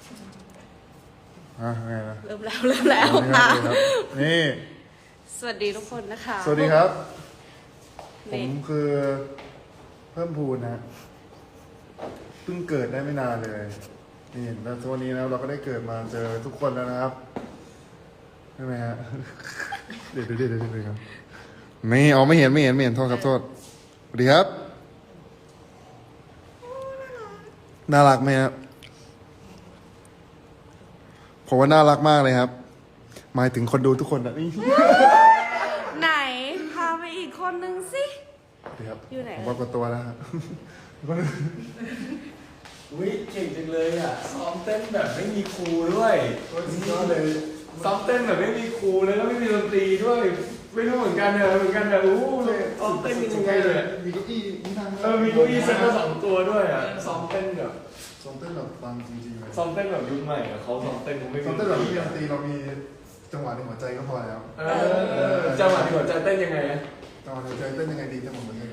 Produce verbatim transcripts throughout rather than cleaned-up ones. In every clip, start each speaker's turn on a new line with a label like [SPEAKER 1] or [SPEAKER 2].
[SPEAKER 1] อ่ะไงนะ
[SPEAKER 2] เริ่มแล้วเริ่มแล้วค่ะ
[SPEAKER 1] นี่
[SPEAKER 2] สวัสดีทุกคนนะคะ
[SPEAKER 1] สวัสดีครับ ผ
[SPEAKER 2] นี่
[SPEAKER 1] มคือเพิ่มพูนนะเพิ่งเกิดได้ไม่นานเลยนี่แล้ววันนี้นะเราก็ได้เกิดมาเจอทุกคนแล้วนะครับใช่ไหมฮะ เดี๋ยวเดี๋ยวเดี๋ยวเดี๋ยวครับไม่อ๋อไม่เห็นไม่เห็นไม่เห็นโทษครับโทษสวัสดีครับน่ารักไหมครับผมว่าน่ารักมากเลยครับหมายถึงคนดูทุกคนนะนี่
[SPEAKER 2] ไหนพาไปอีกคนนึงสิ
[SPEAKER 1] ดีครับ
[SPEAKER 2] อยู่ไหน
[SPEAKER 1] ผมว่ากดตัวแล้วครับ
[SPEAKER 3] อุ้ยเก่งจังเลยอ่ะซ้อมเต้นแบบไม่มีครูด้วย
[SPEAKER 1] ก็เลย
[SPEAKER 3] ซ้อมเต้นแบบไม่มีครูแล้วก็ไม่มีดนตรีด้วย ไม่รู้เหมือนกันเนี่ยเหมือนกันเนี่ยอู้เลยซ้อมเต้นยังไงเลย
[SPEAKER 1] มีเก้าอี้มีทาง
[SPEAKER 3] เออมีเก้าอี้เซ็ตมาสองตัวด้วยอ่ะซ้อมเต้นแบบ
[SPEAKER 1] ซ้อมเต้นแบบฟังจริงๆเลย
[SPEAKER 3] ซ้อมเต้นแบบยุคใหม่อ่ะเขาซ้อมเต้นเขาไม่มี
[SPEAKER 1] ซ้อมเต้นแบบไม่มีดนตรีเรามีจังหวะในหัวใจก็พอแล้ว
[SPEAKER 3] เออจังหวะที่หัวใจเต้นยังไงอะ
[SPEAKER 1] จังหวะในหัวใจเต้นยังไงดีจังหวะเหมือนกัน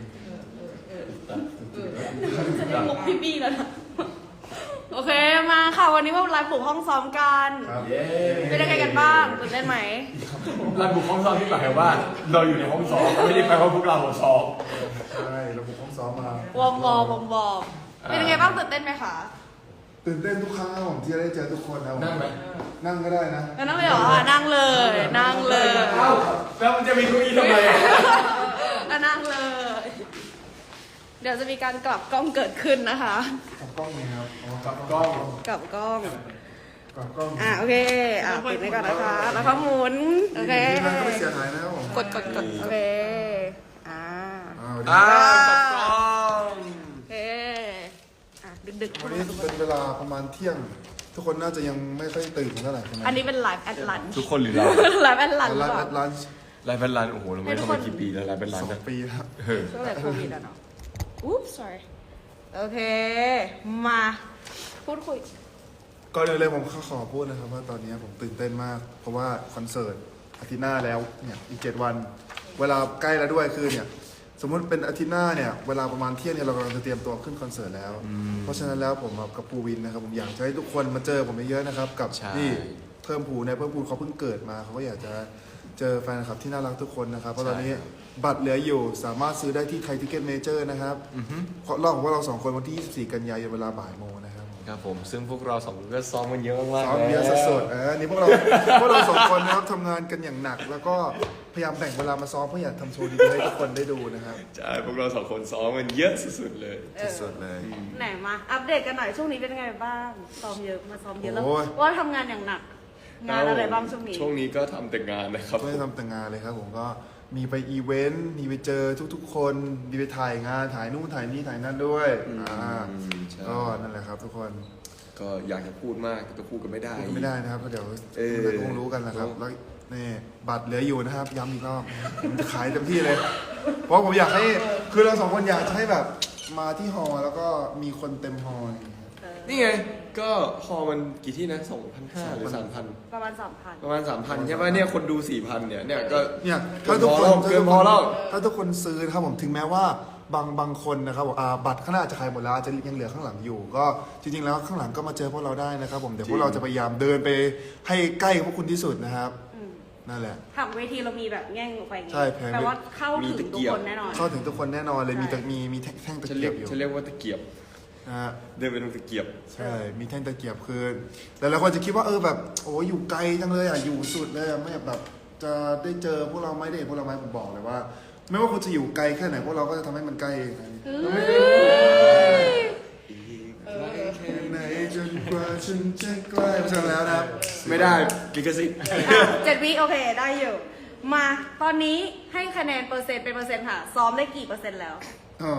[SPEAKER 2] จะได้มุกพี่บี้แล้วนะโอเคมาค่ะวันนี้มาไลฟ์ปลุกห้องซ้อมกัน
[SPEAKER 1] ครับ
[SPEAKER 3] เย้
[SPEAKER 2] เป็นยังไงกันบ้างตื่นเต้นไหม
[SPEAKER 3] รันบุกห้องซ้อมที่หมายความว่า เราอยู่ในห้องซ้อมไม่ได้แปลว่าพวกเราซ้อม
[SPEAKER 1] ใช่เราบุกห้องซ้อมมาว
[SPEAKER 2] อร์มวอร์มวอร์มวอร์มเป็นยังไงบ้างตื่นเต้นไหมคะ
[SPEAKER 1] ตื่นเต้นทุกครั้งครับผมที่ได้เจอทุกคนนะผม
[SPEAKER 3] นั่งไหม
[SPEAKER 1] นั่งก็ได้นะ
[SPEAKER 2] นั่งเลยเหรอนั่งเลย นั่งเลย
[SPEAKER 3] เอ้าแล้วมันจะมีเก้าอี้ทำไมอะ
[SPEAKER 2] อ่ะนั่งเลย เดี๋ยวจะมีการกลับกล้องเกิดขึ้นนะคะ
[SPEAKER 1] กับกล้องนี่ครับอ๋อ
[SPEAKER 3] กับกล้อง
[SPEAKER 2] กลับกล้อง
[SPEAKER 1] กับกล้อง
[SPEAKER 2] อ่ะโอเค อ่ะปิดไว้ก่อนนะคะ แล้วก็หมุน โอเค
[SPEAKER 1] ทีมงานก็ไม่เสียหายนะครับผม
[SPEAKER 2] กดกดกดโอเค อ่า
[SPEAKER 1] อ้าว
[SPEAKER 3] อ่ากับกล้อง
[SPEAKER 2] โอเค อ่ะดึกดึกๆ
[SPEAKER 1] วันนี้เป็นเวลาประมาณเที่ยง ทุกคนน่าจะยังไม่ค่อยตื่นเท่าไหร่ใช่ไหม
[SPEAKER 2] อันนี้เป็นไลฟ์แอดลัน
[SPEAKER 3] ทุกคนหรือเรา
[SPEAKER 2] ไลฟ์แอดลันหรือ
[SPEAKER 1] ร้าน
[SPEAKER 2] เปล่า
[SPEAKER 1] ร้าน
[SPEAKER 3] ไลฟ์เป็นร้านโอ้โหเราไม่ทำมากี่ปีแล้วไลฟ์เป็นร้าน
[SPEAKER 1] สอง
[SPEAKER 3] นะ
[SPEAKER 1] ปีครับ
[SPEAKER 3] เออ
[SPEAKER 2] ช่วงแต่โควิดอะเนาะ อุ๊บ sorry โอเค มา พูดคุย
[SPEAKER 1] ก่อนอื่นเลยผมขอพูดนะครับว่าตอนนี้ผมตื่นเต้นมาก เพราะว่าคอนเสิร์ตอาทิตย์หน้าแล้วเนี่ยอีกเจ็ดวัน เวลาใกล้แล้วด้วยคือเนี่ยสมมุติเป็นอาทิตย์หน้าเนี่ยเวลาประมาณเที่ยงเนี่ยเรากำลังจะเตรียมตัวขึ้นคอนเสิร์ตแล้ว เพราะฉะนั้นแล้วผมกับปูวินนะครับผมอยากจะให้ทุกคนมาเจอผมเยอะๆนะครับกับ
[SPEAKER 3] ใช่
[SPEAKER 1] นี่เพิ่มพูนเนี่ยเพิ่มพูนเขาเพิ่งเกิดมาเขาก็อยากจะเจอแฟนคลับที่น่ารักทุกคนนะครับเพราะตอนนี้บัตรเหลืออยู่สามารถซื้อได้ที่ไทยทิเก็ตเมเจอร์นะครับรอบของพวกเราสองคนวันที่ยี่สิบสี่กันยายนเวลาบ่ายโมงนะครับ
[SPEAKER 3] ครับผมซึ่งพวกเราสองคนก็ซ้อมกันเยอะมากๆ
[SPEAKER 1] ซ้อมเยอะสดๆเออนี่พวกเรา พวกเราสองคนนะครับทำงานกันอย่างหนัก แล้วก็พยายามแบ่งเวลามาซ้อมเพื่ออยากทำโชว์ดีๆให้ทุกคนได้ดูนะครับ
[SPEAKER 3] ใช่พวกเราสองคนซ้อมกันเยอะสุดๆเลย
[SPEAKER 2] เออ
[SPEAKER 1] สดๆเลย
[SPEAKER 2] ไหนมา อัปเดตกันหน่อย ช่วงนี้เป็นยังไงบ้าง ซ้อมเยอะ มาซ้อมเยอะแล้ว
[SPEAKER 1] โอ้ย
[SPEAKER 2] ว่าทำงานอย่างหนัก งานอะไรบ้างช่วงนี้
[SPEAKER 3] ช่วงนี้ก็ทำแต่งานนะครับ
[SPEAKER 1] ไม่ได้ทำแต่งานเลยครับผมก็มีไปอีเวนต์มีไปเจอทุกๆ คนมีไปถ่ายงานถ่ายนู่นถ่ายนี่ถ่ายนั่นด้วย
[SPEAKER 3] อืม
[SPEAKER 1] อ่า
[SPEAKER 3] ใช่
[SPEAKER 1] ก็นั่นแหละครับ ทุกคน
[SPEAKER 3] ก็อยากจะพูดมากแต่พูดกันไม่ได้
[SPEAKER 1] พูดกันไม่ได้นะครับเพราะเดี๋ยว
[SPEAKER 3] เออ
[SPEAKER 1] ทุกคนคงรู้กันนะครับแล้วนี่บัตรเหลืออยู่นะครับย้ำอีกรอบผมจะขายเต็มที่เลย เพราะผมอยากให้คือเราสองคนอยากจะให้แบบมาที่ฮอลล์แล้วก็มีคนเต็มฮอลล์อย่างเงี้ย
[SPEAKER 3] นี่ไง ก็ฮอมันกี่ที่นะสองพันห้าหรือสามพัน
[SPEAKER 2] ประมาณสามพัน
[SPEAKER 3] ประมาณสามพันใช่ป่ะเนี่ยคนดูสี่พันเนี่ยเนี่ยก็
[SPEAKER 1] เนี่ย
[SPEAKER 3] เกิ
[SPEAKER 1] ถ้าน ทุก
[SPEAKER 3] พอ
[SPEAKER 1] คน
[SPEAKER 3] แล้วเกินพอแล้ว
[SPEAKER 1] ถ้าทุกคนซื้อนะครับผมถึงแม้ว่าบางบางคนนะครับผมอ่าบัตรข้างหน้าอาจจะขายหมดแล้วอาจจะยังเหลือข้างหลังอยู่ ก็จริงๆแล้วข้างหลังก็มาเจอพวกเราได้นะครับผมเดี๋ยวพวกเราจะพยายามเดินไปให้ใกล้พวกคุณที่สุดนะครับ
[SPEAKER 2] อืม
[SPEAKER 1] นั่นแหละ
[SPEAKER 2] ผังเวทีเรามีแบบแง่งออกไปอย่างงี้
[SPEAKER 1] ใช่แพง
[SPEAKER 2] แปลว่าเข้าถึงทุกคนแน่นอน
[SPEAKER 1] เข้าถึงทุกคนแน่นอนเลยมีตะมีมีแท่งตะ
[SPEAKER 3] ฉัน
[SPEAKER 1] เกี
[SPEAKER 3] เรี
[SPEAKER 1] ย
[SPEAKER 3] ย
[SPEAKER 1] บ
[SPEAKER 3] ก
[SPEAKER 1] อยู่
[SPEAKER 3] ฉันเรียกว่าตะเกียบ
[SPEAKER 1] นะฮะ
[SPEAKER 3] เดินไปตรงตะเกียบ
[SPEAKER 1] ใช่มีแท่งตะเกียบคือแต่หลายคนจะคิดว่าเออแบบโอ้อยู่ไกลจังเลยอ่ะอยู่สุดเลยอ่ะไม่แบบจะได้เจอพวกเราไหมได้เห็นพวกเราไหมผมบอกเลยว่า ไม่ว่าคุณจะอยู่ไกลแค่ไหนพวกเราก็จะทำให้มันใกล้เองนะ
[SPEAKER 2] เฮ้ย
[SPEAKER 1] แค่ไหนจนกว่าฉันจะใกล้เพราะฉะนั้นแล้วนะครับ
[SPEAKER 3] ไม่ได้ลิขสิทธิ์
[SPEAKER 2] อ่ะเจ็ดวิโอเคได้อยู่ มาตอนนี้ให้คะแนนเปอร์เซ็นต์เป็นเปอร์เซ็นต์ค่ะ ซ้อมได้กี่เปอร์เซ็นต์แล้ว
[SPEAKER 1] อ๋อ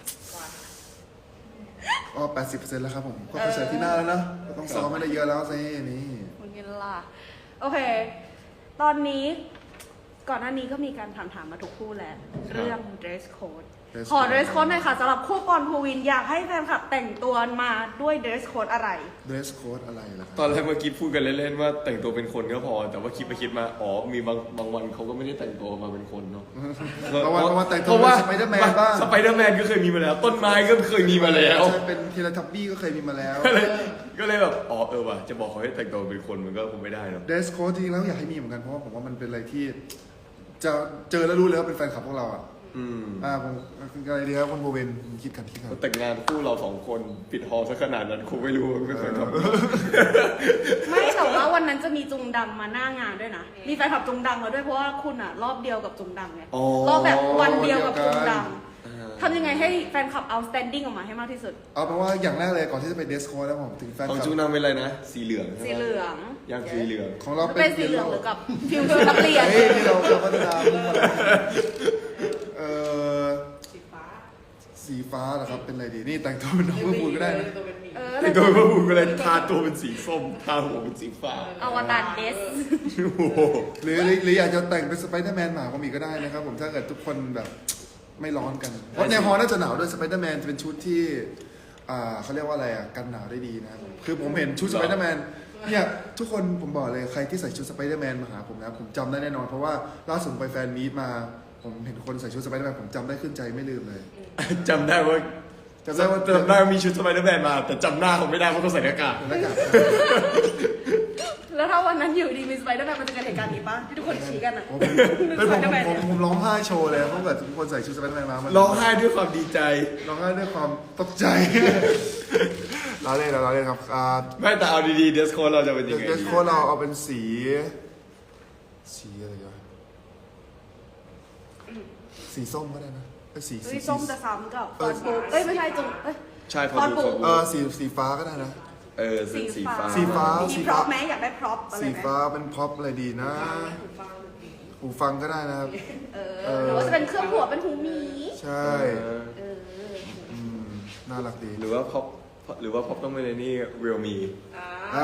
[SPEAKER 1] อ๋อแปดสิบเปอร์เซ็นต์แล้วครับผมก็คอนเสิร์ตที่หน้าแล้วเนอะก็ต้องซ้อมไม่ได้เยอะแล้วสินี่
[SPEAKER 2] คุณกินล่ะโอเค ตอนนี้ก่อนหน้านี้ก็มีการถามถามๆมาทุกคู่แล้ว เรื่อง dress code
[SPEAKER 1] dress
[SPEAKER 2] ขอ
[SPEAKER 1] code
[SPEAKER 2] dress code หน่อยค่ะสำหรับคู่ปอนภูวินอยากให้แฟนคลับแต่งตัวมาด้วย dress code อะไร
[SPEAKER 1] dress code อะไรล่ะค
[SPEAKER 3] ต
[SPEAKER 1] รับ
[SPEAKER 3] อนแรกเมื่อกี้พูดกันเล่นๆว่าแต่งตัวเป็นคนก็พอ แต่ว่าคิดไปคิดมาอ๋อมีบางบางวันเขาก็ไม่ได้แต่งตัวมาเป็นคนเนาะ
[SPEAKER 1] บางวันบางวันแต่งตัว
[SPEAKER 3] พราะว่า
[SPEAKER 1] เป็น Spider-Man บ้าง
[SPEAKER 3] สไปเดอร์แมนก็เคยมีมาแล้ว ต้นไม้ก็เคยมีมาแล้ว
[SPEAKER 1] ใช่เป็นทีละทับบี้ก็เคยมีมาแล้ว
[SPEAKER 3] ก็เลยก็เลยแบบอ๋อเออว่ะจะบอกเขาให้แต่งตัวเป็นคนมันก็คงไม่ได้เนาะ
[SPEAKER 1] dress code จริงๆแล้วอยากให้มีเหมือนกันเพราะว่าผมว่ามันเป็นอะไรที่ จะเจอแล้วรู้เลยว่าเป็นแฟนคลับพวกเราอ่ะ
[SPEAKER 3] อืม
[SPEAKER 1] อ่าผมอะไรดีครับคุณโบเวนคิดกันคิดกัน
[SPEAKER 3] แต่งงานคู่เราสองคนปิดฮอลล์ซะขนาดนั้นคงไม่รู้ว่าไม่เคยทำ
[SPEAKER 2] ไม่แต่ว่าวันนั้นจะมีจุงดังมาหน้างานด้วยนะ มีแฟนคลับจุงดังมาด้วยเพราะว่าคุณอ่ะรอบเดียวกับจุงดังไง
[SPEAKER 3] อ๋อ
[SPEAKER 2] รอบแบบวันเดียวกับจุงดัง
[SPEAKER 3] อ่า
[SPEAKER 2] ทำยังไงให้แฟนคลับ outstanding ออกมาให้มากที่สุด
[SPEAKER 1] เอาเป็นว่าอย่างแรกเลยก่อนที่จะไป dress code แล้วผมถึงแฟน
[SPEAKER 3] ของ
[SPEAKER 1] คลับ
[SPEAKER 3] จูนำเป็นอะไรนะ สีเหลืองใช่ไหม
[SPEAKER 2] สีเหลือง
[SPEAKER 3] ย่างสีเหลือง
[SPEAKER 1] ของเรา
[SPEAKER 2] มัน
[SPEAKER 1] เป็
[SPEAKER 2] เป็น นสีเหลืองหรือกับฟิวชุดนักเรียน
[SPEAKER 1] เฮ้ยที่เราเราพัฒนามุ่งมาเออสีฟ้าสีฟ้าเหรอครับเป็นอะไรดีนี่แต่งตัวเป็นน้องเพื่อพูดก็ได้นะ
[SPEAKER 2] เออ
[SPEAKER 3] ไอ้ตัวพระบุก็เลยทาตัวเป็นสีส้มทาหัวเป็นสีฟ้า
[SPEAKER 2] อวตารเดส
[SPEAKER 3] โอ้โห
[SPEAKER 1] หรือหรือหรืออยากจะแต่งเป็นสไปเดอร์แมนหมาก็มีก็ได้นะครับผมถ้าเกิดทุกคนแบบไม่ร้อนกันเพราะในฮอลน่าจะหนาวด้วยสไปเดอร์แมนจะเป็นชุดที่อ่าเขาเรียกว่าอะไรอ่ะกันหนาวได้ดีนะครับคือผมเห็นชุดสไปเดอร์แมนเนี่ยทุกคนผมบอกเลยใครที่ใส่ชุดสไปเดอร์แมนมาหาผมนะผมจำได้แน่นอนเพราะว่าล่าสุดไปแฟนมีตมา ผมเห็นคนใส่ชุดสไปเดอร์แมนผมจำได้ขึ้นใจไม่ลืมเลย
[SPEAKER 3] จำได้ว่า
[SPEAKER 1] จำได้ว่า
[SPEAKER 3] จำได้ว่ามีชุดสไปเดอร์แมนมา แต่จำหน้าเขาไม่ได้เพราะเขาใส่หน้ากาก
[SPEAKER 1] หน้ากาก
[SPEAKER 2] แล้วถ้าวันนั้นอยู่ดีมีสไปเดอร์แมนมันจะเกิดเหตุการณ์นี้ปะที่ทุกคนชี้กันอ่ะ
[SPEAKER 1] ผมเป็นผมผมผมผมร้องไห้โชว์เลยเพราะเกิดทุกคนใส่ชุดสไปเดอร์แมนมามัน
[SPEAKER 3] ร้องไห้ด้วยความดีใจ
[SPEAKER 1] ร้องไห้ด้วยความตกใจ เราเล่นเราเล่นครับอ่า
[SPEAKER 3] ไม่แต่เอาดีๆเดสโคเราจะเป็นยังไง
[SPEAKER 1] เดส
[SPEAKER 3] ดี
[SPEAKER 1] โค้ดเราเอาเป็นสี สีอะไรวะสีส้มก็ได้นะเอ้ยสี
[SPEAKER 2] เฮ้
[SPEAKER 1] สี
[SPEAKER 2] ยส้มจะซ้ำกับฟอนบุ๊กเอ้ยไม่ใช่จุงเอ้ย
[SPEAKER 3] ใช่พอ
[SPEAKER 2] ฟอน
[SPEAKER 3] ดู
[SPEAKER 2] บุ๊ก
[SPEAKER 1] เออสีสีฟ้าก็ได้นะ
[SPEAKER 3] เออสีสีฟ้า
[SPEAKER 1] สีฟ้า
[SPEAKER 2] มีพร็อพไหมอยากได้พร็อพอะไร
[SPEAKER 1] สี
[SPEAKER 2] ไหม
[SPEAKER 1] ฟ้าเป็นพ็อปอะไรดีนะหูฟังก็ได้นะครับ
[SPEAKER 2] เออหรือว่าจะเป็นเครื่องหัวเป็นหูหมี
[SPEAKER 1] ใช่
[SPEAKER 3] เออ
[SPEAKER 2] เออ
[SPEAKER 1] อืมน่ารักดี
[SPEAKER 3] หรือว่าพอปหรือว่าพอปต้องเป็นในนี่เรียลมี
[SPEAKER 1] อ่า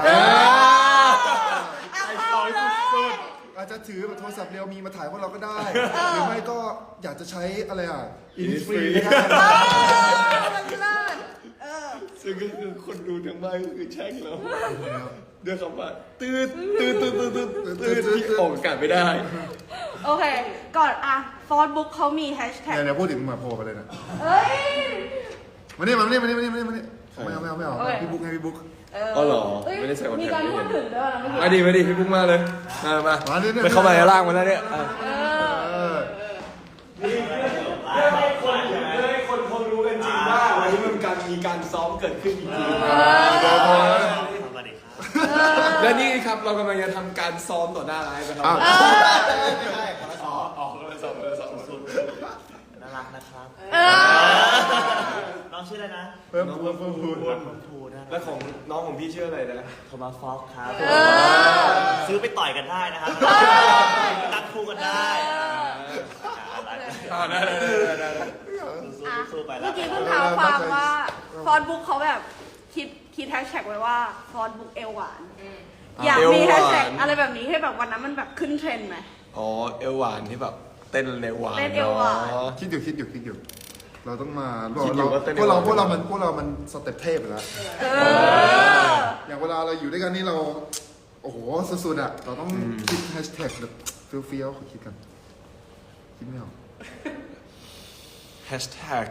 [SPEAKER 2] เอาเอาเลย
[SPEAKER 1] อาจจะถือโทรศัพท์เรียวมีมาถ่ายพวกเราก็ได้ หรือไม่ก็อยากจะใช้อะไรอ่ะอินฟรีก็ได้
[SPEAKER 2] เออมันเลิศเออ
[SPEAKER 3] ซึ่งก็คือคนดูทั้งบ้านก็คือแช่งเราด้วยคำว่าตืดตืดตืดตืดตืดตืดที่ออกอากาศไม่ได้
[SPEAKER 2] โอเค ก่อนอะฟอนบุ๊กเขามีแฮชแท็ก
[SPEAKER 1] เนี่ยเนี่ยพูดถึงมาโผล่ไปเลยนะ
[SPEAKER 2] เอ้ย
[SPEAKER 1] มานี่มานี่มานี่มานี่มานี่มานี่ไม่เอาไม่เอาไม่เอา
[SPEAKER 2] โอเค
[SPEAKER 1] พี่บุ๊กไงพี่บุ๊ก
[SPEAKER 3] อ๋อเหรอ
[SPEAKER 2] เอ้ย
[SPEAKER 3] ไม่ได้ใส่คอนแทค
[SPEAKER 2] มีการพูดถึงด้วยนะเมื่อ
[SPEAKER 3] มา
[SPEAKER 2] กี้
[SPEAKER 3] ดิมาดิพี่ปุ๊กมาเลยมามา
[SPEAKER 1] มาดิเนี่ย
[SPEAKER 3] ไปเข้ามาในร่างมาแล้วเนี่ยอ่ะ
[SPEAKER 2] เออ
[SPEAKER 1] เออ
[SPEAKER 3] เพื่อให้คนเพื่อให้คนเขารู้กันจริงว่าวันนี้มันการมีการซ้อมเกิดขึ้นจริง
[SPEAKER 1] พอพอแล้ว
[SPEAKER 3] ๆและนี่ครับเรากำลังจะทำการซ้อมต่อหน้าไลฟ์นะครั
[SPEAKER 1] อ้าว
[SPEAKER 3] อ๋อออกเลยซ้อมเลยซ้อมสุด
[SPEAKER 4] น่ารักนะครับ
[SPEAKER 2] เออ
[SPEAKER 4] น้องชื่ออะไรนะ
[SPEAKER 1] เพิ่มพูดเพิ่มพูด
[SPEAKER 4] น้องภูนะ
[SPEAKER 3] แล้วของน้องของพี่ชื่ออะไรนะ
[SPEAKER 4] โทมัสฟอกครับ
[SPEAKER 2] เออ
[SPEAKER 4] ซื้อไปต่อยกันได้นะครับตั้งคู่กันได้
[SPEAKER 3] อ่าได้ได้ได้ได้
[SPEAKER 4] สู้ๆสู้ๆไปแล้
[SPEAKER 2] เมื่
[SPEAKER 4] ว
[SPEAKER 2] อกี้เพิ่งเท้าความว่าฟอนบุ๊กเขาแบบคิดคิดแฮชแท็กไว้ว่าฟอนบุ๊กเอวหวาน อยากมีแฮชแท็กอะไรแบบนี้ให้แบบวันนั้นมันแบบขึ้นเทรนด์ไหม
[SPEAKER 3] อ๋อเอวหวานที่แบบเต้นในหวาน
[SPEAKER 2] เต้นเอวหวาน
[SPEAKER 3] อ๋อ
[SPEAKER 1] คิดอยู่คิดอยู่คิดอยู่ เราต้องมา
[SPEAKER 3] คิดอยู่ว่าเต้น
[SPEAKER 1] พวกเรา
[SPEAKER 3] ยังไง
[SPEAKER 1] พวกเรามันพวกเรามันสเต็ปเทพอยู่แล้ว
[SPEAKER 2] เออ
[SPEAKER 1] อย่างเวลาเราอยู่ด้วยกันนี่เรา โอ้โหสุดๆอ่ะ เราต้องคิดแฮชแท็กแบบเฟี้ยวๆขอคิดกัน คิดไม่ออก
[SPEAKER 3] แฮชแท็ก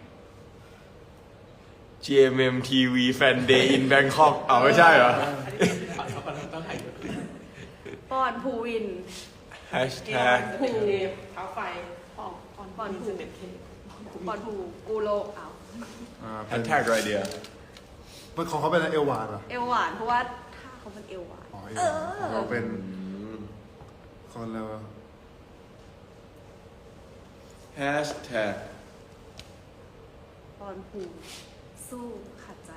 [SPEAKER 3] จี เอ็ม เอ็ม ที วี Fan Day in Bangkok เอาไม่ใช่เหรอ
[SPEAKER 2] ปอนภูวิน
[SPEAKER 3] แฮชแท็ก
[SPEAKER 2] ภู
[SPEAKER 5] เท้าไฟ
[SPEAKER 2] ปอนปอนปอนภูปอนภูกูโลเอา
[SPEAKER 1] อ่า
[SPEAKER 3] แฮ
[SPEAKER 1] เป็น
[SPEAKER 3] ชแท็กอะไรเดีย
[SPEAKER 1] เป็นของเขาเป็นอะไรเอลวานเหรอ
[SPEAKER 2] เอวหวานเพราะว่าท่าเขาเป็นเอวหวาน
[SPEAKER 1] อ๋อเอลวานของเราเป็นคนเรา
[SPEAKER 3] แฮชแท็ก
[SPEAKER 2] ปอนภูสู้ขัดใจ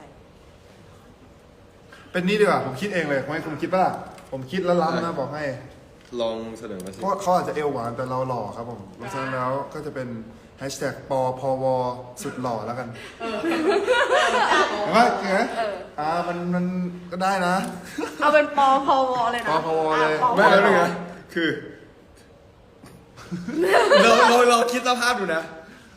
[SPEAKER 1] เป็นนี่ดีกว่า ผมคิดเองเลยไม่คุณคิดป่ะล่ะผมคิดแล้วล้ำนะบอกให้
[SPEAKER 3] ลองเสนอมาสิ
[SPEAKER 1] เพราะเขาอาจจะเอวหวานแต่เราหล่อครับผมเพราะฉะนั้นแล้วก็จะเป็นแฮชแท็กปอพวสุดหล่อแล้วกันเห็นไหมเห็นไหมอ่ามันมันก็ได้นะ
[SPEAKER 2] เอาเป็นปอพวเลยนะ
[SPEAKER 1] ปอพวเลย
[SPEAKER 2] อ่ะปอพว
[SPEAKER 3] ไม่แล้วเป็นไงคือ เราเราเราคิดสภาพดูนะ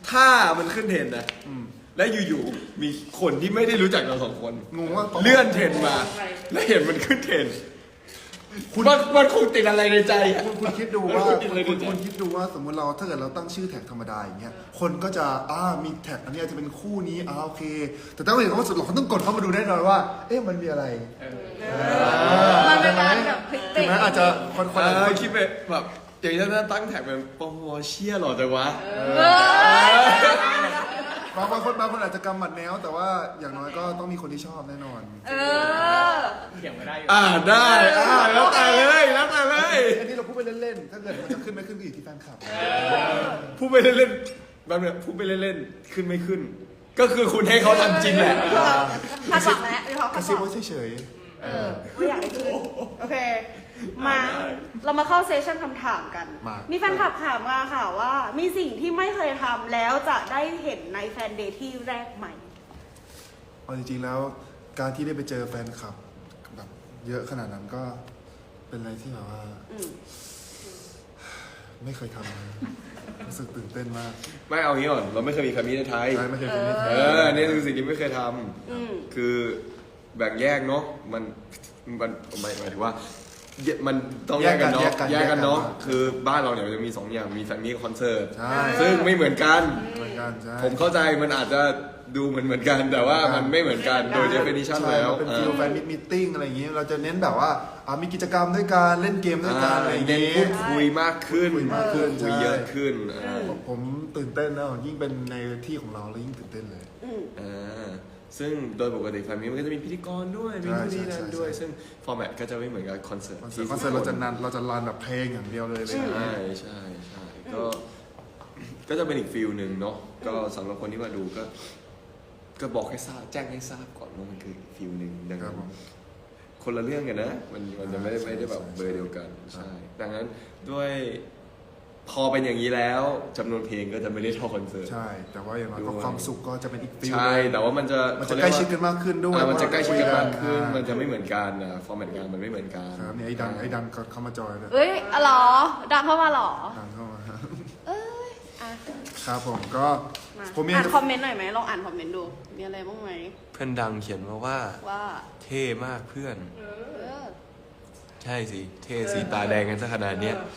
[SPEAKER 3] ถ้ามันขึ้นเทรนด์นะ
[SPEAKER 1] อืม
[SPEAKER 3] และอยู่ๆมีคนที่ไม่ได้รู้จักเราสองคน
[SPEAKER 1] งงว่า
[SPEAKER 3] เลื่อนเทรนด์มา แล้วเห็นมันขึ้นเทรนด์มันมันคงติดอะไรในใจอะ
[SPEAKER 1] คุณคุณคิดดูว่า
[SPEAKER 3] คุณคิดอะไร
[SPEAKER 1] คุณ
[SPEAKER 3] ในใจ
[SPEAKER 1] คุณคิดดูว่าสมมติเราถ้าเกิดเราตั้งชื่อแท็กธรรมดาอย่างเงี้ยคนก็จะอ่ามีแท็กอันนี้อาจจะเป็นคู่นี้อ่าโอเค แต่ถ้าเห็นว่าสุดหล่อเขาต้องกดเข้ามาดูแน่นอนว่า เอ๊ะมันมีอะไร
[SPEAKER 2] มันเป็นการแบบพลิก
[SPEAKER 1] ถึ
[SPEAKER 2] เตะ
[SPEAKER 1] งแม้อาจจะคนคน
[SPEAKER 3] เอ
[SPEAKER 1] อาจ
[SPEAKER 3] อ
[SPEAKER 1] จะ
[SPEAKER 3] คิดไปแบบอย่างนี้ถ้าตั้งแท็กเป็นปอเชี่ยหล่อจังวะ
[SPEAKER 2] เออ
[SPEAKER 1] บางบางคนบางคนอาจจะกำหมัดแนวแต่ว่าอย่างน้อยก็ต้องมีคนที่ชอบแน่นอน
[SPEAKER 2] เออ
[SPEAKER 4] เถียงไม่ได้อยู่
[SPEAKER 3] อ่าได้อ่าแล้วแต่เลยแล้วแต่เลย
[SPEAKER 1] อันนี้เราพูดไปเล่นๆ ถ้าเกิดมันจะขึ้นไม่ขึ้นก็อยู่ที่แฟนคลับ
[SPEAKER 3] พูดไปเล่นๆแบบเนี้ยพูดไปเล่นๆขึ้นไม่ขึ้น ก็คือคุณให้เขาทำจริงแหละ
[SPEAKER 2] คาดหวังแล้วมีความ
[SPEAKER 1] ก
[SPEAKER 2] คา
[SPEAKER 1] ระ
[SPEAKER 2] ดห
[SPEAKER 1] ซิบ
[SPEAKER 2] วัง
[SPEAKER 1] ว่าเฉย
[SPEAKER 2] เออไม่อยากให้ขึ้นโอเค มา เรามาเข้าเซสชั่นคำถามกัน มีแฟนคลับถามมาค่ะว่า มีสิ่งที่ไม่เคยทำแล้วจะได้เห็นในแฟนเดย์ที่แรกใหม่
[SPEAKER 1] ๆเอาจริงๆแล้วการที่ได้ไปเจอแฟนคลับแบบเยอะขนาดนั้นก็เป็นอะไรที่แบบว่า
[SPEAKER 2] อืม
[SPEAKER 1] ไม่เคยทำเลยรู้สึกตื่นเต้นมาก
[SPEAKER 3] ไม่เอางี้ก่อนเราไม่เคยมีคำนี้ในไทย
[SPEAKER 1] ใช่ไม่เคยเป็นนิ
[SPEAKER 3] เอ
[SPEAKER 1] ทาน
[SPEAKER 3] อนี่คือสิ่งที่ไม่เคยท
[SPEAKER 2] อืม
[SPEAKER 3] ำคือแบ่งแยกเนาะมันมันหมายหมายถึงว่าแยกมันต้องแยกกันเนาะแยกกันเนาะคือบ้านเราเนี่ยมันจะมีสองอย่างมีแฟนมีคอนเสิร์ต
[SPEAKER 1] ใช่
[SPEAKER 3] ซึ่งไม่เหมือนกัน
[SPEAKER 1] เหมือนกันใช่
[SPEAKER 3] ผมเข้าใจมันอาจจะดูเหมือนเหมือนกัน แต่ว่ามันไม่เหมือนกันโดย definition
[SPEAKER 1] ใช่
[SPEAKER 3] แล้ว
[SPEAKER 1] มันเป็นฟิลแฟนมิทติ้งอะไรอย่างงี้เราจะเน้นแบบว่าอ่ามีกิจกรรมด้วยกันเล่นเกมด้วยกันอะไรอย่าง
[SPEAKER 3] เน้น
[SPEAKER 1] งี้
[SPEAKER 3] พูดคุยมากขึ้น
[SPEAKER 1] คุยมากขึ้น
[SPEAKER 3] คุย
[SPEAKER 1] ใช่
[SPEAKER 3] เยอะขึ้นอ่า
[SPEAKER 1] ผมผมตื่นเต้นนะยิ่งเป็นในที่ของเราแล้วยิ่งตื่นเต้นเลย
[SPEAKER 2] อืม
[SPEAKER 3] อ่าซึ่งโดยปกติแฟนมีมันก็จะมีพิธีกรด้วยมีนู่นนี่นั่นด้วย
[SPEAKER 1] ใช่ใช่
[SPEAKER 3] ซึ่งฟอร์แมตก็จะไม่เหมือนกับคอนเสิร์ต
[SPEAKER 1] คอนเสิร์ตคอนเสิร์ตเราจะนันเราจะรันแบบเพลงอย่างเดียวเลยเลย
[SPEAKER 3] ใช่ใช่ใช่ก็ก็จะเป็นอีกฟิลหนึ่งเนาะก็สำหรับคนที่มาดูก็ ก็บอกให้ทราบแจ้งให้ทราบก่อนว่ามันคืออีกฟิลหนึ่งดัง
[SPEAKER 1] ครับ
[SPEAKER 3] นั้น
[SPEAKER 1] ผม
[SPEAKER 3] คนละเรื่องกันนะ มันมันจะไม่ได้
[SPEAKER 1] ใช่
[SPEAKER 3] ไม่ได้แบบ
[SPEAKER 1] ใช่
[SPEAKER 3] เบอร์เดียวกัน
[SPEAKER 1] ใช่
[SPEAKER 3] ใช่ ดังนั้นด้วยพอเป็นอย่างนี้แล้วจำนวนเพลงก็จะไม่ได้เท่าคอนเสิร์ต
[SPEAKER 1] ใช่ แต่ว่าอย่างน้อย
[SPEAKER 3] ด้
[SPEAKER 1] ก็
[SPEAKER 3] วย
[SPEAKER 1] ความสุขก็จะเป็นอีกฟิล
[SPEAKER 3] ใช่ แต่ว่ามันจะ
[SPEAKER 1] มันจะใกล้ชิดกันมากขึ้นด้วย
[SPEAKER 3] อ่ามันจะใกล้ชิดกันมากขึ้น
[SPEAKER 1] อ่า
[SPEAKER 3] มันจะไม่เหมือนกันนะฟอร์แมตงานมันไม่เหมือนกัน
[SPEAKER 1] ครับเนี่ยไอ้ดังไอ้ดังก็เข้ามาจอยเลย
[SPEAKER 2] เอ้ยอ๋อเหรอ ดังเข้ามาเหรอ
[SPEAKER 1] ดังเข้ามา
[SPEAKER 2] เอ้ยอ่ะ
[SPEAKER 1] ครับผมก็
[SPEAKER 2] มา
[SPEAKER 1] ผมมี
[SPEAKER 2] อ่านคอมเมนต์หน่อยไหมลองอ่านคอมเมนต์ดู มีอะไรบ้างไหม
[SPEAKER 3] เพื่อนดังเขียนมาว่า
[SPEAKER 2] ว่า
[SPEAKER 3] เท่มากเพื่อน
[SPEAKER 2] เออ
[SPEAKER 3] ใช่สิ เท่สีตาแดงกันซะขนาดเนี้ย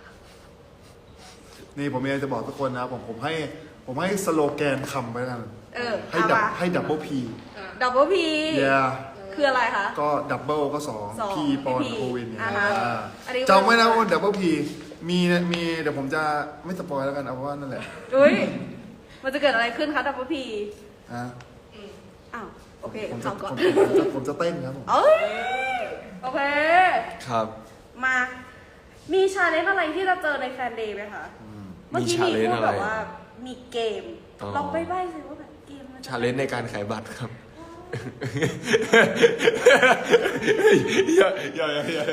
[SPEAKER 1] นี่ผมมีอะไรจะบอกทุกคนนะผมผมให้ผมให้สโลแกนคำไว้กัน
[SPEAKER 2] เออ
[SPEAKER 1] ให้
[SPEAKER 2] เอา
[SPEAKER 1] ดับ
[SPEAKER 2] มา
[SPEAKER 1] ให้ดับเบิลพี
[SPEAKER 2] ดับเบิลพี
[SPEAKER 1] เย่
[SPEAKER 2] คืออะไรคะ
[SPEAKER 1] ก็ดับเบิลก็สอง
[SPEAKER 2] สอง
[SPEAKER 1] พีปอน
[SPEAKER 2] P
[SPEAKER 1] โควินเนี่ย
[SPEAKER 2] อ่าฮะ
[SPEAKER 1] อ่า
[SPEAKER 2] อันนี้
[SPEAKER 1] จำไว้นะว่าดับเบิลพีมีมีเดี๋ยวผมจะไม่สปอยแล้วกันเอาว่านั่นแหละ
[SPEAKER 2] อุ้ย มันจะเกิดอะไรขึ้นคะดับเบิลพี
[SPEAKER 1] อ่ะ
[SPEAKER 2] อ้าว โอเค
[SPEAKER 1] ผมจะ
[SPEAKER 2] ทำก่อน
[SPEAKER 1] ผมผมจะผมจะเต้นครับผม
[SPEAKER 2] เอ้ย โอเค
[SPEAKER 3] ครับ
[SPEAKER 2] มา มีชาเลนจ์อะไรที่เราเจอในแฟนเดย์ไหมคะ เมื่อกี้มี
[SPEAKER 3] มี
[SPEAKER 2] พูด
[SPEAKER 3] challenge
[SPEAKER 2] แบบ
[SPEAKER 3] อะไร
[SPEAKER 2] ว่า มีเกม
[SPEAKER 3] อ๋อ
[SPEAKER 2] ลองไปใบ้สิว่าแบบเกมมันจะ
[SPEAKER 3] ชาเลนจ์ในการขายบัตรครับอย่าอย่าอย่าอย่า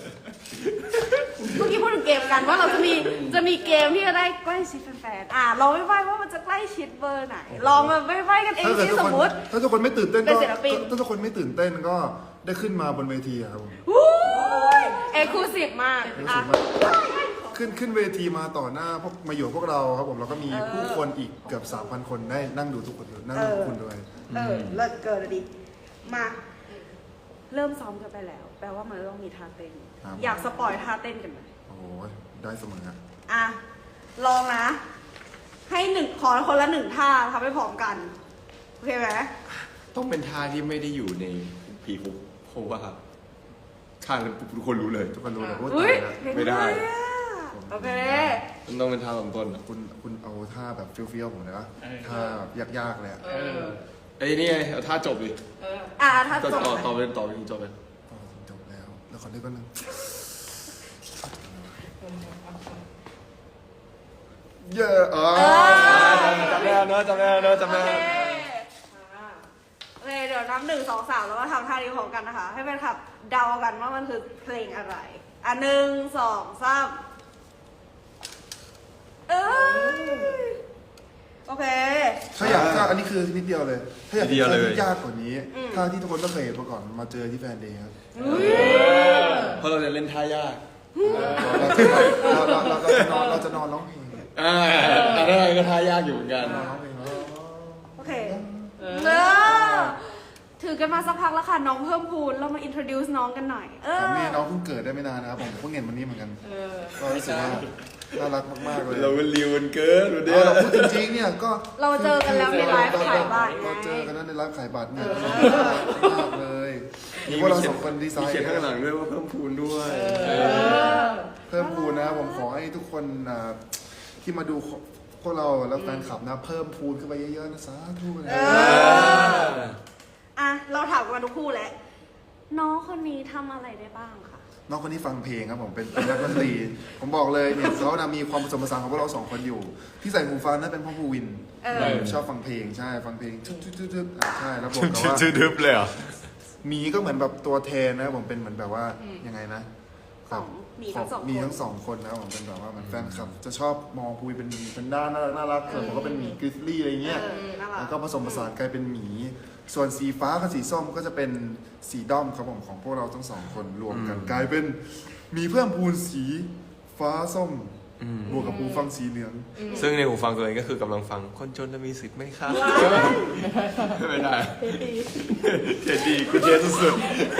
[SPEAKER 2] เมื่อกี้พูดถึงเกมกันว่าเราจะมีจะมีเกมที่จะได้ใกล้ชิดแฟนๆอ่ะลองไปใบ้ว่ามันจะใกล้ชิดเบอร์ไหน ลองมาไปใบ้กันเอง
[SPEAKER 1] ถ้าเกิด
[SPEAKER 2] สิ
[SPEAKER 1] ทุก
[SPEAKER 2] ส
[SPEAKER 1] ค
[SPEAKER 2] ม
[SPEAKER 1] น
[SPEAKER 2] มติ
[SPEAKER 1] ถ้าทุกคนไม่ตื่นเต้น
[SPEAKER 2] เป็
[SPEAKER 1] ก็
[SPEAKER 2] นศิลปิน
[SPEAKER 1] ถ้าทุกคนไม่ตื่นเต้นก็ได้ขึ้นมาบนเวทีอะครับผม
[SPEAKER 2] วู้ยเอ็กซ์คลูซีฟมาก
[SPEAKER 1] รู้
[SPEAKER 2] อ่ะ
[SPEAKER 1] สึกว่าขึ้นขึ้นเวทีมาต่อหน้าพวกมาอยู่กับพวกเราครับผมแล้วก็มี
[SPEAKER 2] เออ
[SPEAKER 1] ผู้คนอีกเกือบสามพันคนได้นั่งดูทุกคนนั่งดูทุกคนด้วย
[SPEAKER 2] เออเลิศเกินอะดิ มา เริ่มซ้อมกันไปแล้ว แปลว่ามันต้องมีท่าเต้น
[SPEAKER 1] ครับ
[SPEAKER 2] อยากสปอยท่าเต้นกันไหม
[SPEAKER 1] โอ้โหได้เสมอครับ
[SPEAKER 2] อ่ะ ลองนะ ให้หนึ่งขอคนละหนึ่งท่าทำให้พร้อมกัน โอเคไหม
[SPEAKER 3] ต้องเป็นท่าที่ไม่ได้อยู่ในพีคุกเพราะว่าข้างแล้วปุ๊บทุกคนรู้เลย
[SPEAKER 1] ทุกคนรู้เลยว่า
[SPEAKER 2] อุ้
[SPEAKER 1] ตาย ยแล้ว
[SPEAKER 3] ไม่ได้
[SPEAKER 2] เห็นเลยอะโอเค
[SPEAKER 3] มันต้องเป็นท่าลำต้นอ่ะ
[SPEAKER 1] คุณคุณเอาท่าแบบเฟี้ยวๆผมเลยนะ
[SPEAKER 4] เออ
[SPEAKER 1] ท่าแบบยากๆเลยอะ
[SPEAKER 4] เออ
[SPEAKER 3] ไอ้ยนี่ไงเอาท่าจบดิ
[SPEAKER 2] อ่ะท่า
[SPEAKER 3] ต่อ
[SPEAKER 2] จบ
[SPEAKER 3] ต่อต่อเป็นต่อเป็นจบเลย
[SPEAKER 1] อ๋อจบแล้ว แล้วขอนึกก็นึงเยอะอ๋อ
[SPEAKER 3] จำได้แล้วเนอะจำได้แล้วเนอะจำ
[SPEAKER 2] โอ
[SPEAKER 3] ได้
[SPEAKER 2] เค
[SPEAKER 3] แล้ว
[SPEAKER 2] โอเค เดี๋ยวนับหนึ่งสองสามแล้วมาทำท่านี้พร้อมกันนะคะ ให้แฟนคลับเดากันว่ามันคือเพลงอะไร อ่ะหนึ่งสองสามเอ้ยโอเค
[SPEAKER 1] ถ้าอยากถ้าอันนี้คือนิดเดียวเลย ถ้าอยาก
[SPEAKER 3] นิดเดียวเลย
[SPEAKER 1] ท่าที่ยากกว่านี้
[SPEAKER 2] อืม
[SPEAKER 1] ท่าที่ทุกคนต้องเคยเห็นมาก่อนมาเจอที่แฟนเดย์ครับ
[SPEAKER 2] อุ้ย
[SPEAKER 3] เพราะเราจะเล่นท่ายาก
[SPEAKER 1] เราจะเราเราเราเราจะนอนเราจะนอนร้องเพลง
[SPEAKER 3] อ่าอันนั้นก็ท่ายากอยู่เหมือนกัน
[SPEAKER 1] ร้องเพลงแล้ว
[SPEAKER 2] โอเคเออถือกันมาสักพักแล้วค่ะน้องเพิ่มพูนเรามา introduce น้องกันหน่อย เอ
[SPEAKER 1] ผม
[SPEAKER 2] อ
[SPEAKER 1] นี่น้องเพิ่งเกิดได้ไม่นานนะครับผมเพิ่งเห็นวันนี้เหมือนกันก็รู้สึกว่าน่ารักมากๆเลย
[SPEAKER 3] เราเป็นริวกันเกินวันเนี้
[SPEAKER 1] เอา
[SPEAKER 3] ย
[SPEAKER 1] เราพูดจริงๆเนี่ยก็
[SPEAKER 2] เราเจอกันแล้วในไลฟ์ขายบัตรไง
[SPEAKER 1] เราเจอกันแล้วในไลฟ์ขายบัตรเนี่ยน่ารักมากเลยมีพวกเราสองคนดีไซ
[SPEAKER 3] มี
[SPEAKER 1] น์
[SPEAKER 3] เขียนข้างหลังด้วยว่าเพิ่มพูนด้วย
[SPEAKER 1] เพิ่มพูนนะผมขอให้ทุกคนอ่าที่มาดูพวกเราแล้วแฟนคลับนะเพิ่มพูนขึ้นไปเยอะๆนะสาธุเลย
[SPEAKER 2] อ่ะเราถามกันมาทุกคู่แล้วน้องคนนี้ทำอะไรได้บ้างคะ
[SPEAKER 1] น้องคนนี้ฟังเพลงครับผมเป็นเป็นนักดนตรีผมบอกเลยเนี่ยเขานะมีความผสมผสานของพวกเราสองคนอยู่ ที่ใส่หูฟังนั่นเป็นพ่อภูวิน
[SPEAKER 2] เออ
[SPEAKER 1] ชอบฟังเพลงใช่ฟังเพลงทึบทึบทึบทึบอ่ะใช่แล้วผมแต่ว่า
[SPEAKER 3] ชื่อดึบเลยเหรอ
[SPEAKER 1] หมีก็เหมือนแบบตัวแทนนะผมเป็นเหมือนแบบว่ายังไงนะ
[SPEAKER 2] สองหมีทั้งสอง
[SPEAKER 1] มี
[SPEAKER 2] คน
[SPEAKER 1] ทั้งสองคนนะผมเป็นแบบว่าเหมือนแฟนคลับ จะชอบมองภูวินเป็นเป็นด้านน่ารักน่ารักส่วนผมก็เป็นหมีกริซลี่อะไรเงี้ย
[SPEAKER 2] เออน่ารัก
[SPEAKER 1] แล้วก็ผสมผสานกลายเป็นหมี ส่วนสีฟ้ากับสีส้มก็จะเป็นสีด้อมครับผมของพวกเราทั้งสองคนรวมกัน กลายเป็นหมีเพิ่มพูนสีฟ้าส้มบวกกับหูฟังสีเหลือง
[SPEAKER 3] ซึ่งในหูฟังตัวเองก็คือกำลังฟังคนจนจะมีสิทธิ์ไหมครับไม่ได้เทดีกูเทสุด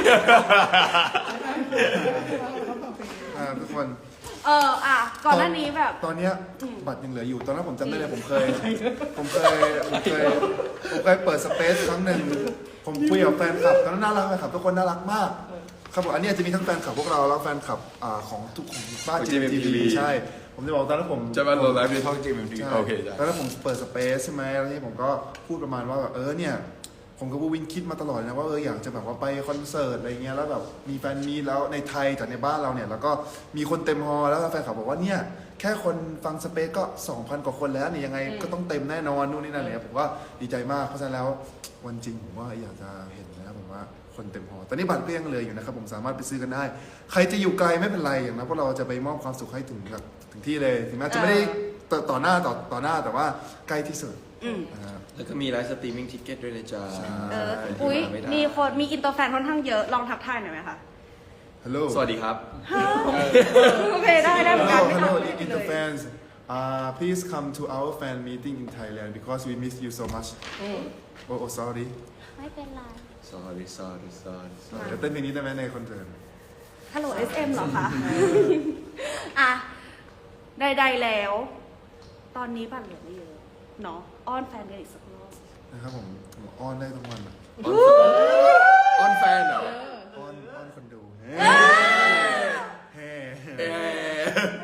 [SPEAKER 1] อ่าทุกคน
[SPEAKER 2] เอออ่ะก่อนหน้านี้แบบ
[SPEAKER 1] ตอนเนี้ยบัตรยังเหลืออยู่ตอนนั้นผมจำได้เลยผมเคย ผมเคยผมเคยผมเคยเปิดสเปซครั้งหนึ่งผมคุยกับแฟนคลับตอนนั้นน่ารักเลยครับทุกคนน่ารักมากครับผมอันนี้อาจจะมีทั้งแฟนคลับพวกเราแล้วแฟนคลับอ่าของทุกของบ้านจีเอ็มทีวีใช่ ผมจะบอกตอนนั้นผม
[SPEAKER 3] ๆจะมาโหลดไลฟ์ในช่องจีเอ็มที
[SPEAKER 1] ใช่
[SPEAKER 3] โอเคจ้ะ
[SPEAKER 1] แล้วถ้าผมเปิดสเปซใช่ไหมแล้วนี่ผมก็พูดประมาณว่าแบบเออเนี่ย ผมกับบูวินคิดมาตลอดนะว่าเอออยากจะแบบว่าไปคอนเสิร์ตอะไรเงี้ยแล้วแบบมีแฟนมีตแล้วในไทยจากในบ้านเราเนี่ยแล้วก็มีคนเต็มฮอลล์แล้วแฟนคลับบอกว่าเนี่ยแค่คนฟังสเปซก็ สองพัน กว่าคนแล้วนี่ยังไงก็ต้องเต็มแน่นอนนู่นนี่นั่นเนี่ยผมว่าดีใจมากเพราะฉะนั้นแล้ววันจริงผมว่าอยากจะเห็นนะผมว่าคนเต็มฮอลล์ตอนนี้บัตรก็ยังเหลืออยู่นะครับผมสามารถไปซื้อกันได้ ใครจะอยู่ไกลไม่เป็นไรอย่างนั้นพวกเราจะไปมอบความสุขให้ถึงแบบถึงที่เลยถึงแม้จะไม่ได้ต่อต่อหน้าต่อต่อหน้าแต่ว่าใกล้ที่สุด
[SPEAKER 2] อืม
[SPEAKER 1] นะครับ
[SPEAKER 3] แล้วก็มีไลฟ์สตรีมมิ่งทิเก็ตด้วยนะจ๊ะ
[SPEAKER 2] เออ
[SPEAKER 3] ใครที่
[SPEAKER 2] อุ้ย
[SPEAKER 3] าไได้
[SPEAKER 2] มีคนมีอินเตอร์แฟนค่อนข้างเยอะลองทักทายหน่อยไหมคะ
[SPEAKER 1] ฮัลโหล
[SPEAKER 3] สวัสดีครับ
[SPEAKER 2] โอเคได้ได้เหมือนกัน
[SPEAKER 1] Hello,
[SPEAKER 2] ไม่
[SPEAKER 1] hello,
[SPEAKER 2] ทำไม่ได้
[SPEAKER 1] Inter
[SPEAKER 2] เลย
[SPEAKER 1] fans. Uh, please come to our fan meeting in Thailand because we miss you so much. Oh, oh, sorry.
[SPEAKER 2] ไม่เป็นไร
[SPEAKER 3] sorry sorry sorry
[SPEAKER 1] เดี๋ยวเต้นเพลงนี้ได้ไหมในคอนเสิร์ต
[SPEAKER 2] ฮัลโหล เอส เอ็ม เหรอคะ อ่ะ ใดๆแล้ว ตอนนี้บัตรเหลือไม่เยอะเนาะอ้อนแฟนกันอีกสักรอบ
[SPEAKER 1] นะครับผมผมอ้อนได้ทั้งวันอะ
[SPEAKER 3] ออนแฟนเหรอ
[SPEAKER 1] อ้อนอ้อนคนดูเฮ้เฮ้
[SPEAKER 3] เอ๊ะ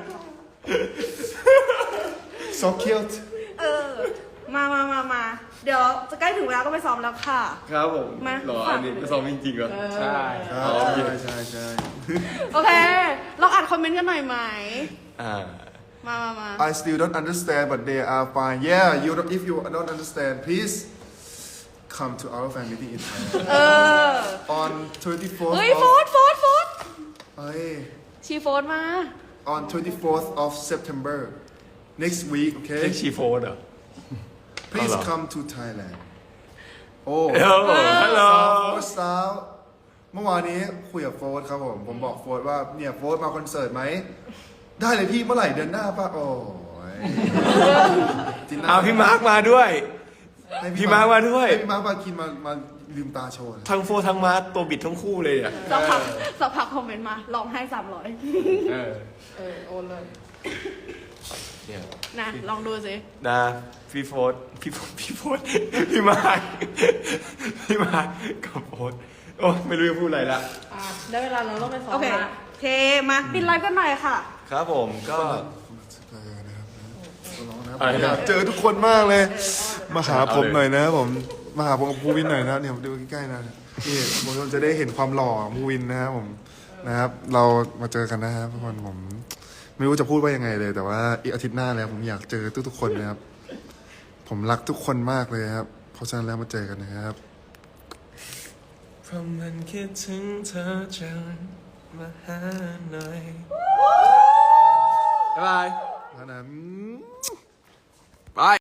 [SPEAKER 1] so cute
[SPEAKER 2] เออ มามามามา เดี๋ยวจะใกล้ถึงเวลาต้องไปซ้อมแล้วค่ะ
[SPEAKER 3] ครับผม
[SPEAKER 2] มา
[SPEAKER 3] เหรออันนี้ซ้อมจริงๆเหรอใช่
[SPEAKER 1] ครับใช่ใช่ใช่
[SPEAKER 2] โอเค ลองอ่านคอมเมนต์กันหน่อยไหม
[SPEAKER 3] อ่า
[SPEAKER 2] มามามา
[SPEAKER 1] I still don't understand but they are fine yeah you don't, if you don't understand please come to our fan meeting in Thailand
[SPEAKER 2] เออ
[SPEAKER 1] on twenty-fourth
[SPEAKER 2] เฮ้ย
[SPEAKER 1] of
[SPEAKER 2] โฟนโฟนโฟน
[SPEAKER 1] เฮ้ย
[SPEAKER 2] ชีโฟนมา
[SPEAKER 1] on twenty-fourth of September next week โอเค
[SPEAKER 3] เรียกชีโฟนเหรอ
[SPEAKER 1] please
[SPEAKER 3] เอาเหรอ
[SPEAKER 1] come to Thailand โอ้
[SPEAKER 3] ฮัลโหลฮัลโหล
[SPEAKER 1] สาวโฟร์สาวเมื่อวานนี้คุยกับโฟร์ครับผม ผมบอกโฟร์ว่าเนี่ยโฟร์มาคอนเสิร์ตไหม ได้เลยพี่เมื่อไหร่เดือนหน้าป่ะ โอ้ยจินน่
[SPEAKER 3] เอาพี่มาร์คมาด้วย
[SPEAKER 1] ให้
[SPEAKER 3] พี่มาร์คมาด้วย
[SPEAKER 1] ให้พี่มาร์คมากินมามาลืมตาโชว์นะ
[SPEAKER 3] ทั้งโฟทั้งมาร์คตัวบิดทั้งคู่เลยเนี่ย
[SPEAKER 2] สักพักสักพักคอมเมนต์มาลองให้สามร้อย
[SPEAKER 3] เออ
[SPEAKER 5] เออโอนเลย
[SPEAKER 3] เนี่ย
[SPEAKER 2] นะลองดูสิ
[SPEAKER 3] นะพี่โฟร์พี่โฟร์พี่โฟร์พี่มาร์คพี่มาร์คกับโฟร์โอ้ไม่รู้จะพูดอะไรละ
[SPEAKER 5] อ่ะ ได้เวลาเราต้องไปซ้อ
[SPEAKER 2] โอ
[SPEAKER 5] ม
[SPEAKER 2] เค
[SPEAKER 5] ละ
[SPEAKER 2] โอเค มาปิดไลฟ์กันหน่อยค่ะ
[SPEAKER 3] ครับผมก็
[SPEAKER 1] เออนะครับร้องนะครับ
[SPEAKER 3] อะไรนะ
[SPEAKER 1] อยากเจอทุกคนมากเลย มาหาผม
[SPEAKER 3] เอาเลย
[SPEAKER 1] หน่อยนะผม มาหาผมกับภูวินหน่อยนะเนี่ยดูใกล้ๆนะนี่ผมจะได้เห็นความหล่อของภูวินนะครับผมนะครับ เรามาเจอกันนะครับทุกคนผม ไม่รู้จะพูดว่ายังไงเลย แต่ว่าอีกอาทิตย์หน้าแล้วผมอยากเจอทุกๆคนนะครับ ผมรักทุกคนมากเลยครับ เพราะฉะนั้นแล้วมาเจอกันนะครับ
[SPEAKER 3] เพราะมันคิดถึงเธอจังมาหาหน่อยบ๊ายบาย
[SPEAKER 1] แล้วนั้น
[SPEAKER 3] บาย